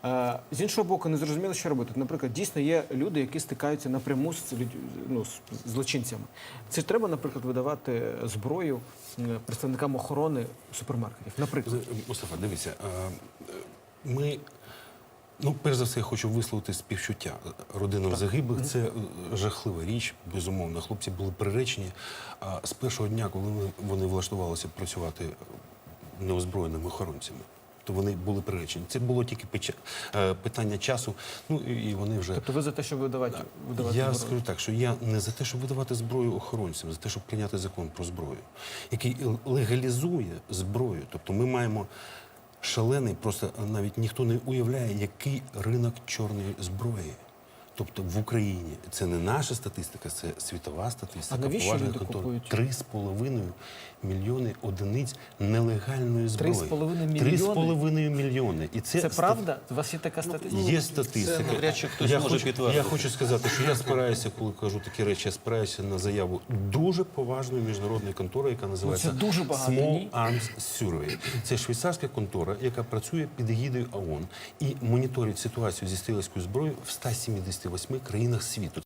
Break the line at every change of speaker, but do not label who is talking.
З іншого боку, не зрозуміло, що робити. Наприклад, дійсно є люди, які стикаються напряму з з злочинцями. Це ж треба, наприклад, видавати зброю представникам охорони супермаркетів. Наприклад.
Мустафа, дивіться, ми... Ну, перш за все, я хочу висловити співчуття родинам загиблих. Це жахлива річ, безумовно. Хлопці були приречені. А з першого дня, коли вони влаштувалися працювати неозброєними охоронцями, то вони були приречені. Це було тільки питання часу, ну і вони вже...
Тобто ви за те, щоб видавати
Я
зброю?
скажу так, що я не за те, щоб видавати зброю охоронцям, за те, щоб прийняти закон про зброю, який легалізує зброю. Тобто ми маємо шалений, просто навіть ніхто не уявляє, який ринок чорної зброї. Тобто в Україні це не наша статистика, це світова статистика.
А навіщо люди купують?
3,5 мільйони одиниць нелегальної зброї.
3,5 мільйони?
3,5 мільйони. І
Це правда? У вас є така статистика?
Є статистика.
Це навряд чи хтось може підтвердити.
Я хочу сказати, що я спираюся, коли кажу такі речі, я спираюся на заяву дуже поважної міжнародної контори, яка називається
це дуже багато,
Small
ні?
Arms Survey. Це швейцарська контора, яка працює під егідою ООН і моніторить ситуацію зі стрілецькою зброєю в 178 країнах світу.